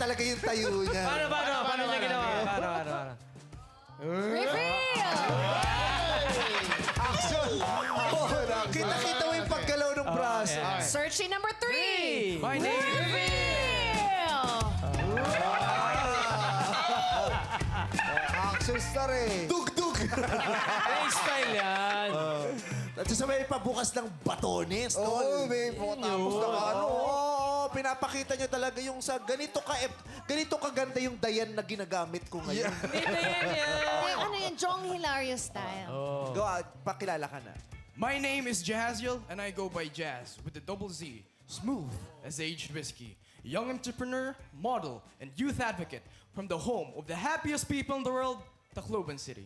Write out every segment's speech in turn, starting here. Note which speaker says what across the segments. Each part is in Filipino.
Speaker 1: talaga yung tayo niya.
Speaker 2: Paano niya ginawa? Paano?
Speaker 3: Reveal!
Speaker 1: Action! Kita-kita mo yung paggalaw ng braso.
Speaker 3: Searching number 3.
Speaker 2: My name is...
Speaker 3: Reveal!
Speaker 1: Action star eh. Dug-dug!
Speaker 2: style yan.
Speaker 1: At sa may pabukas ng batones.
Speaker 4: Oo, may tapos na ano.
Speaker 1: Pinapakita niyo talaga yung sa ganito kaganda yung Dayan na ginagamit ko ngayon.
Speaker 2: Dito yan.
Speaker 3: Ano yung Jong Hilario style?
Speaker 1: Go out, pakilala ka na.
Speaker 5: My name is Jaziel, and I go by Jazz with the double Z. Smooth as aged whiskey. Young entrepreneur, model, and youth advocate from the home of the happiest people in the world, Tacloban City.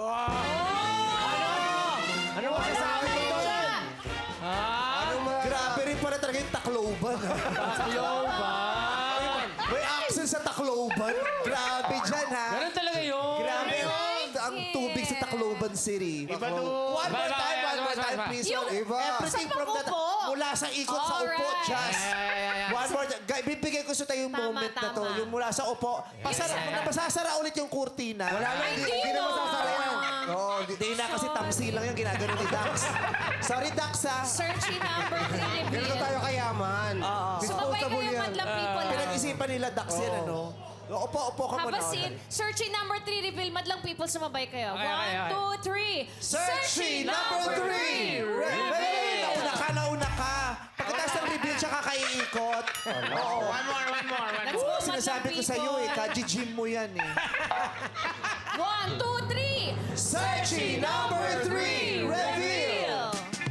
Speaker 2: Ano masasabi mo doon?
Speaker 1: Grabe rin pala talaga yung Tacloban.
Speaker 2: Tacloban.
Speaker 1: May accent sa Tacloban. Grabe dyan, ha?
Speaker 2: Ganun talaga yun.
Speaker 1: Grabe ang tubig sa Tacloban City. One more time, please. Everything from that. Mula sa ikot sa upo,
Speaker 3: Alright.
Speaker 1: Jazz. One more time. Bibigay ko sa tayo yung
Speaker 3: Tama,
Speaker 1: moment na to.
Speaker 3: tama.
Speaker 1: Yung mula sa upo. Masasara ulit yung kurtina.
Speaker 3: Hindi
Speaker 4: na
Speaker 3: no.
Speaker 4: masasara yan. Oo,
Speaker 1: Hindi na kasi tamsi lang yung ginagano ni Dax. Sorry, Dax, ha?
Speaker 3: Searching number 3.
Speaker 4: ganito
Speaker 3: Reveal.
Speaker 4: tayo kayaman.
Speaker 3: Sumabay
Speaker 4: Disposable
Speaker 3: kayo,
Speaker 4: yan.
Speaker 3: madlang people.
Speaker 1: Pinag-isipan nila Dax yan, ano? Upo ka muna.
Speaker 3: Habasin. Searching number 3. Reveal. Madlang people, sumabay kayo.
Speaker 2: Okay.
Speaker 3: 1, 2, 3.
Speaker 1: Searching number 3! Reveal! Nauna ka. Pagkatapos ng reveal, siya kakaiikot. Oo.
Speaker 2: One more.
Speaker 3: Let's go, madlang
Speaker 1: Sinasabi ko sa'yo eh,
Speaker 3: people.
Speaker 1: kaji-gym mo yan eh.
Speaker 3: 1, 2, 3.
Speaker 1: Searching number 3! Reveal!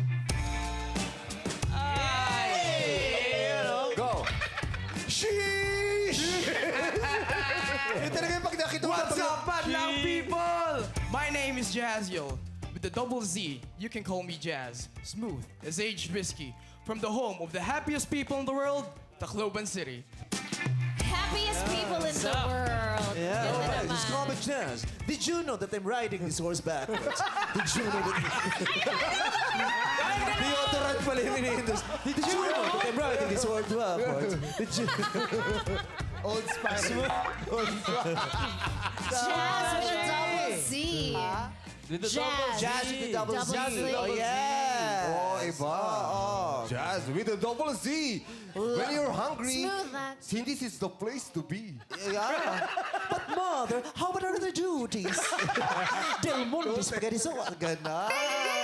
Speaker 4: Go.
Speaker 1: Sheesh! Yung talaga yung pag nakita mo.
Speaker 5: What's up, Badlang people? My name is Jaziel. With the double Z, you can call me Jazz. Smooth as aged whiskey. From the home of the happiest people in the world, Tacloban City.
Speaker 3: Happiest people in the world.
Speaker 1: Yeah,
Speaker 3: Ganda
Speaker 1: alright.
Speaker 3: naman.
Speaker 1: Just common chance. Did you know that I'm riding this horse backwards? Did you know that... Deodorant pala yung iniindos. Did you know that I'm riding this horse backwards? Did you...
Speaker 4: Old Spice.
Speaker 3: Jazz with a double Z.
Speaker 2: Dito
Speaker 3: Jazz.
Speaker 1: Jazz with the double Z.
Speaker 3: Double Z.
Speaker 1: Oh, yeah.
Speaker 4: Oh, iba. Jazz with a double Z. When you're hungry,
Speaker 3: Smooth that.
Speaker 4: Cindy's is the place to be.
Speaker 1: Yeah. But mother, how about other duties? Del Monte Spaghetti Sauce. Gana.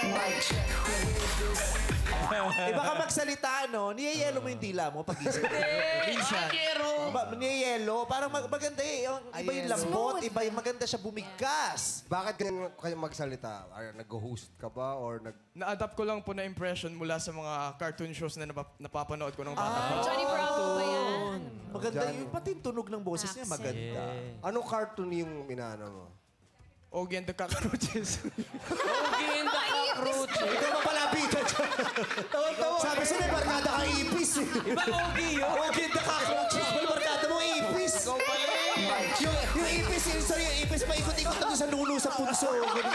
Speaker 1: Iba ka magsalita, no? Niyayelo mo yung dila mo pag-isip.
Speaker 5: Minsan.
Speaker 1: Niyayelo. Parang maganda eh. Iba yung lambot, iba yung maganda siya bumigkas.
Speaker 4: Bakit ganyan kayo magsalita? Nag-host ka ba or nag...
Speaker 5: Na-adapt ko lang po na impression mula sa mga cartoon shows na napapanood ko ng bata pa.
Speaker 3: Johnny Bravo ba yan?
Speaker 1: Maganda yung pati yung tunog ng boses niya maganda.
Speaker 4: Anong cartoon yung inaano mo?
Speaker 5: Ogie and the Cockroaches.
Speaker 2: Ogie and the Cockroach.
Speaker 1: Ikaw mapalapitan siya. Sabi siya may barkada kang ipis eh.
Speaker 2: Iba Ogie yun.
Speaker 1: Okay, the cockroaches. May barkada mo ipis. Yung ipis, yung ipis paikot-ikot na doon sa nulo sa punso.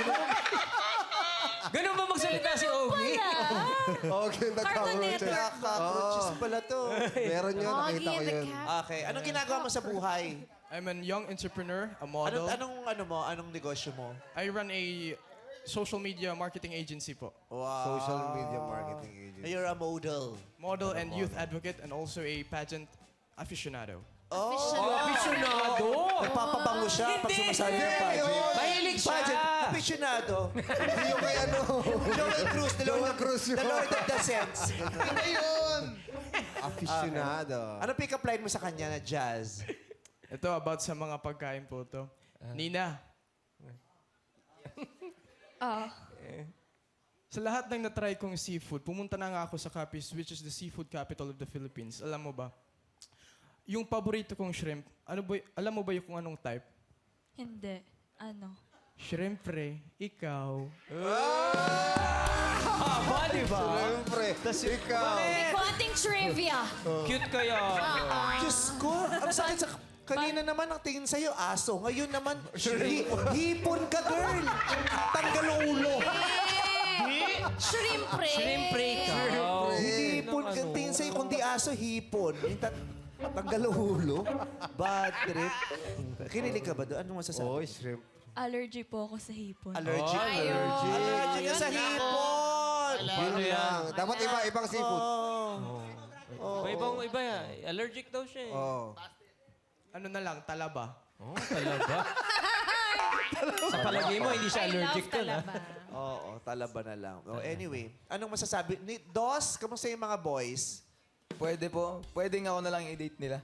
Speaker 2: Ganun ba magsalita si Ogie?
Speaker 4: Okay,
Speaker 3: Cartoon Network.
Speaker 1: Cockroaches pala to.
Speaker 4: Meron yun, nakita
Speaker 3: Ogie
Speaker 4: ko
Speaker 3: and the
Speaker 4: yun.
Speaker 3: Cat.
Speaker 1: Okay, anong ginagawa mo sa buhay?
Speaker 5: I'm a young entrepreneur, a model.
Speaker 1: Anong negosyo mo?
Speaker 5: I run a social media marketing agency po.
Speaker 1: Wow.
Speaker 4: Social media marketing agency.
Speaker 1: You're a model.
Speaker 5: Model and youth advocate and also a pageant aficionado.
Speaker 2: Aficionado.
Speaker 1: Nagpapabango siya pag sumasali ng pageant.
Speaker 2: Mahilig siya.
Speaker 1: Pageant, aficionado.
Speaker 4: Hindi yung kay ano.
Speaker 1: Joel Cruz,
Speaker 4: Joel Cruz yun.
Speaker 1: The Lord of the Sense.
Speaker 4: Aficionado.
Speaker 1: Anong pick-up line mo sa kanya na jazz?
Speaker 5: Ito about sa mga pagkain po to. Nina. Sa lahat ng natry kong seafood, pumunta na nga ako sa Capiz, which is the seafood capital of the Philippines. Alam mo ba? Yung paborito kong shrimp, alam mo ba yung kung anong type?
Speaker 6: Hindi. Ano?
Speaker 5: Shrimpre, ikaw.
Speaker 2: Haba, di ba?
Speaker 4: Siyempre, ikaw.
Speaker 3: May konting trivia.
Speaker 2: Cute kaya.
Speaker 1: Diyos ko, ang sakit sa... Kanina naman ang tingin sa'yo, aso. Ngayon naman, hipon ka, girl. Tanggal ang ulo.
Speaker 3: Shrimpre.
Speaker 2: Shrimpre ka.
Speaker 1: Hipon ka, tingin sa'yo, kundi aso, hipon. Tanggal ulo? Bad trip? Kinilig ka ba doon? Anong masasabi?
Speaker 4: Oh, shrimp.
Speaker 6: Allergy po ako sa hipon.
Speaker 1: Allergic.
Speaker 3: Ayun.
Speaker 1: Allergic ka sa hipon!
Speaker 2: Ano yan?
Speaker 4: Dapat ibang seafood.
Speaker 2: May ibang iba yan. Allergic daw siya eh.
Speaker 4: Oh.
Speaker 5: Ano na lang, talaba.
Speaker 2: Oh, talaba. Sa palagay mo, hindi siya
Speaker 3: I
Speaker 2: allergic
Speaker 3: love
Speaker 2: to, ha?
Speaker 3: talaba.
Speaker 1: Oo, talaba na lang. Oh, anyway, anong masasabi? Dos, kamusta yung mga boys?
Speaker 7: Pwede po. Pwede nga ako na lang i-date nila.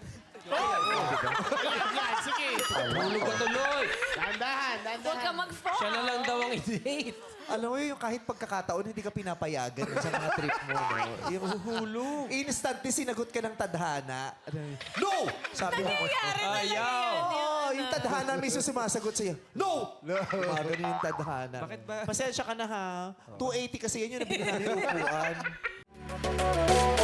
Speaker 2: Hulog ka tuloy.
Speaker 3: Huwag ka mag-fall.
Speaker 2: Siya na lang daw ang i-date.
Speaker 1: Alam mo yung kahit pagkakataon, hindi ka pinapayagan sa mga trip mo. No? Yung hulog. Instantly sinagot ka ng tadhana. No! Sabi mo.
Speaker 2: Ayaw.
Speaker 1: Oo, yung tadhana mismo sumasagot sa'yo. No! Gumagano yung tadhana.
Speaker 2: Bakit ba?
Speaker 1: Pasensya ka na ha. 280 kasi yan yung nabigyan natin upuan.